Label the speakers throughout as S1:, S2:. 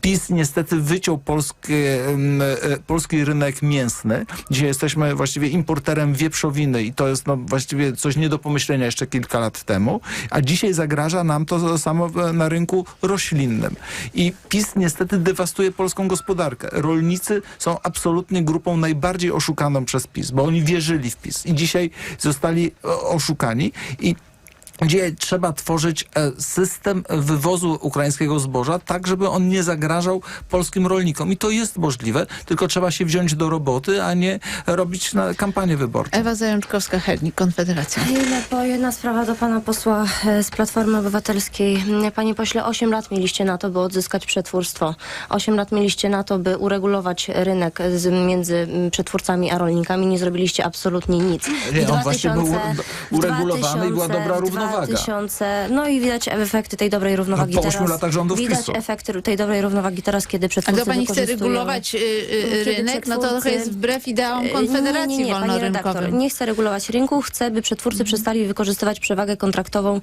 S1: PiS niestety wyciął polski rynek mięsny. Dzisiaj jesteśmy właściwie importerem wieprzowiny i to jest właściwie coś nie do pomyślenia jeszcze kilka lat temu, a dzisiaj zagraża nam to samo na rynku roślinnym. I PiS niestety dewastuje polską gospodarkę. Rolnicy są absolutnie grupą najbardziej oszukaną przez PiS, bo oni wierzyli w PiS i dzisiaj zostali oszukani i gdzie trzeba tworzyć system wywozu ukraińskiego zboża tak, żeby on nie zagrażał polskim rolnikom. I to jest możliwe, tylko trzeba się wziąć do roboty, a nie robić kampanię wyborczą.
S2: Ewa Zajączkowska-Hernik, Konfederacja.
S3: Jedna sprawa do pana posła z Platformy Obywatelskiej. Panie pośle, 8 lat mieliście na to, by odzyskać przetwórstwo. 8 lat mieliście na to, by uregulować rynek między przetwórcami a rolnikami. Nie zrobiliście absolutnie nic.
S1: Nie, on właśnie był uregulowany i była dobra równowaga.
S3: No i widać efekty tej dobrej równowagi
S1: po
S3: teraz.
S1: 8 latach rządów
S3: Widać
S1: PiS-u.
S3: efekty tej dobrej równowagi teraz, kiedy
S2: A
S3: przetwórcy
S2: to pani chce
S3: wykorzystują...
S2: regulować rynek? No to trochę jest wbrew ideałom Konfederacji
S3: nie, pani
S2: wolnorynkowym.
S3: redaktor, nie chcę regulować rynku, chcę, by przetwórcy przestali wykorzystywać przewagę kontraktową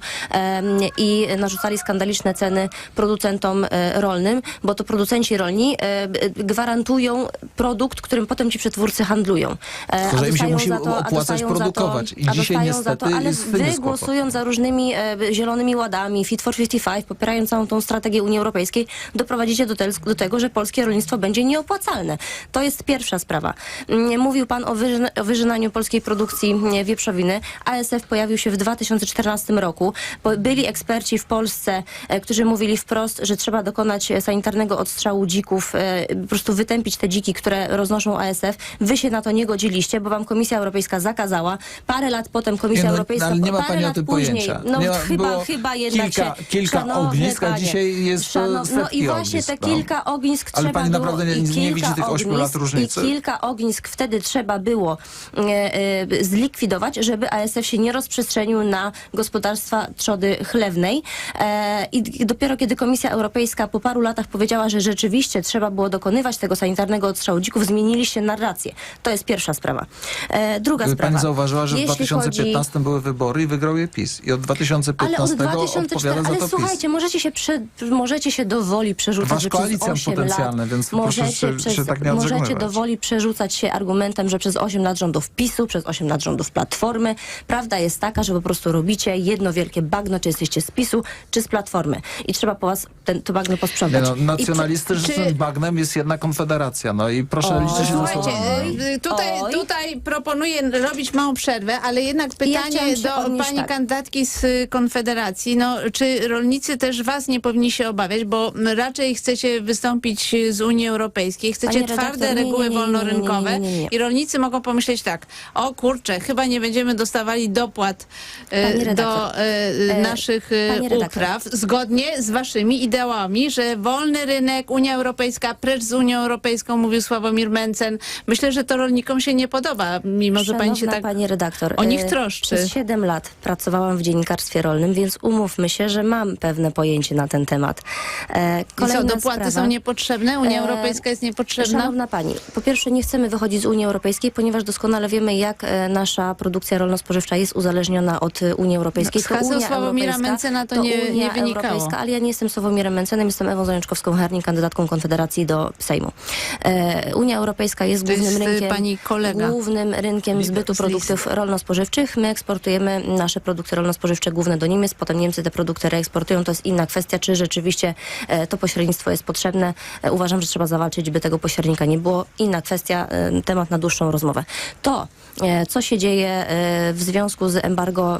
S3: i narzucali skandaliczne ceny producentom rolnym, bo to producenci rolni gwarantują produkt, którym potem ci przetwórcy handlują.
S1: Tylko, że im się musi opłacać produkować. I dzisiaj niestety
S3: ale
S1: jest z tym
S3: wy głosując za różnymi zielonymi ładami, Fit for 55, popierając całą tą strategię Unii Europejskiej, doprowadzicie do tego, że polskie rolnictwo będzie nieopłacalne. To jest pierwsza sprawa. Mówił pan o wyżynaniu polskiej produkcji wieprzowiny. ASF pojawił się w 2014 roku. Byli eksperci w Polsce, którzy mówili wprost, że trzeba dokonać sanitarnego odstrzału dzików, po prostu wytępić te dziki, które roznoszą ASF. Wy się na to nie godziliście, bo wam Komisja Europejska zakazała. Parę lat potem Komisja Europejska...
S1: Ale nie ma
S3: parę
S1: pani o
S3: lat
S1: tym
S3: później,
S1: pojęcia.
S3: Chyba jednak
S1: kilka ognisk, a dzisiaj jest
S3: no i właśnie te kilka ognisk
S1: ale
S3: trzeba
S1: pani
S3: było...
S1: naprawdę nie widzi tych 8 lat różnicy?
S3: I kilka ognisk wtedy trzeba było zlikwidować, żeby ASF się nie rozprzestrzenił na gospodarstwa trzody chlewnej. I dopiero kiedy Komisja Europejska po paru latach powiedziała, że rzeczywiście trzeba było dokonywać tego sanitarnego odstrzału dzików, zmieniliście narrację. To jest pierwsza sprawa. Druga sprawa.
S1: Pani zauważyła, że w 2015 były wybory i wygrał je PiS. I od 2015 odpowiada za to PiS.
S3: Słuchajcie, możecie się do woli przerzucać,
S1: Wasz
S3: że przez
S1: koalicjant
S3: 8
S1: potencjalny,
S3: lat
S1: więc proszę się tak nie
S3: możecie
S1: odżegnywać.
S3: do woli przerzucać się argumentem, że przez 8 lat rządów PiS-u, przez 8 lat rządów Platformy. Prawda jest taka, że po prostu robicie jedno wielkie bagno, czy jesteście z PiS-u, czy z Platformy. I trzeba po was to bagno posprzątać.
S1: Nacjonalistycznym bagnem jest jedna Konfederacja. No i proszę liczyć się ze
S2: Słuchajcie,
S1: słowami.
S2: tutaj proponuję robić małą przerwę, ale jednak pytanie do pani kandydatki z Konfederacji. No, czy rolnicy też was nie powinni się obawiać, bo raczej chcecie wystąpić z Unii Europejskiej, chcecie twarde reguły wolnorynkowe i rolnicy mogą pomyśleć tak, o kurczę, chyba nie będziemy dostawali dopłat do naszych upraw, zgodnie z waszymi ideałami, że wolny rynek, Unia Europejska, precz z Unią Europejską, mówił Sławomir Mencen. Myślę, że to rolnikom się nie podoba, mimo że pani się tak
S3: pani redaktor,
S2: o nich troszczy.
S3: Przez 7 lat pracowałam w dziennikarstwie rolnym, więc umówmy się, że mam pewne pojęcie na ten temat.
S2: Dopłaty są niepotrzebne? Unia Europejska jest niepotrzebna?
S3: Szanowna pani, po pierwsze nie chcemy wychodzić z Unii Europejskiej, ponieważ doskonale wiemy, jak nasza produkcja rolno-spożywcza jest uzależniona od Unii Europejskiej.
S2: Z haseł Sławomira Mencena to nie wynikało.
S3: Ale ja nie jestem Sławomirem Mencenem, jestem Ewą Zajączkowską-Hernik, kandydatką Konfederacji do Sejmu. Unia Europejska jest głównym rynkiem zbytu produktów rolno-spożywczych. My eksportujemy nasze produkty rolno-spożywcze główne do Niemiec, potem Niemcy te produkty reeksportują. To jest inna kwestia, czy rzeczywiście to pośrednictwo jest potrzebne. Uważam, że trzeba zawalczyć, by tego pośrednika nie było. Inna kwestia, temat na dłuższą rozmowę. To, co się dzieje w związku z embargo,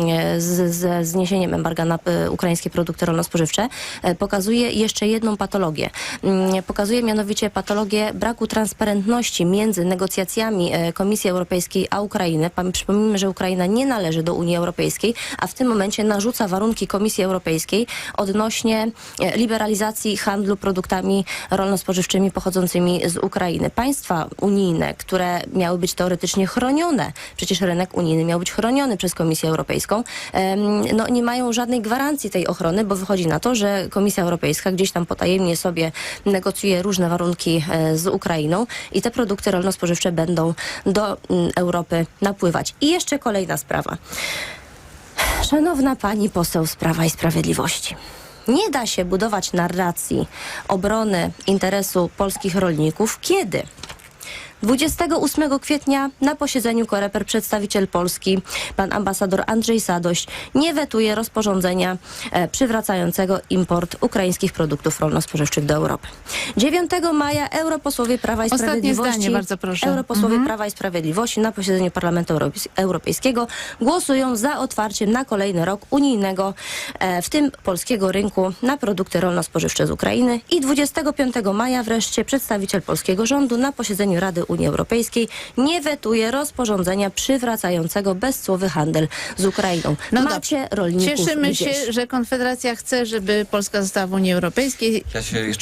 S3: z zniesieniem embarga na ukraińskie produkty rolno-spożywcze, pokazuje jeszcze jedną patologię. Pokazuje mianowicie patologię braku transparentności między negocjacjami Komisji Europejskiej a Ukrainy. Przypomnijmy, że Ukraina nie należy do Unii Europejskiej, a w tym momencie narzuca warunki Komisji Europejskiej odnośnie liberalizacji handlu produktami rolno-spożywczymi pochodzącymi z Ukrainy. Państwa unijne, które miały być teoretycznie chronione, przecież rynek unijny miał być chroniony przez Komisję Europejską, no nie mają żadnej gwarancji tej ochrony, bo wychodzi na to, że Komisja Europejska gdzieś tam potajemnie sobie negocjuje różne warunki z Ukrainą i te produkty rolno-spożywcze będą do Europy napływać. I jeszcze kolejna sprawa. Szanowna pani poseł z Prawa i Sprawiedliwości. Nie da się budować narracji obrony interesu polskich rolników, kiedy 28 kwietnia na posiedzeniu COREPER przedstawiciel Polski, pan ambasador Andrzej Sadoś, nie wetuje rozporządzenia przywracającego import ukraińskich produktów rolno-spożywczych do Europy. 9 maja europosłowie Prawa i Sprawiedliwości,
S2: bardzo proszę.
S3: Prawa i Sprawiedliwości na posiedzeniu Parlamentu Europejskiego głosują za otwarciem na kolejny rok unijnego, w tym polskiego rynku na produkty rolno-spożywcze z Ukrainy. I 25 maja wreszcie przedstawiciel polskiego rządu na posiedzeniu Rady Unii Europejskiej nie wetuje rozporządzenia przywracającego bezcłowy handel z Ukrainą. Macie rolników
S2: Cieszymy
S3: gdzieś.
S2: się, że Konfederacja chce, żeby Polska została w Unii Europejskiej.
S4: Ja się jeszcze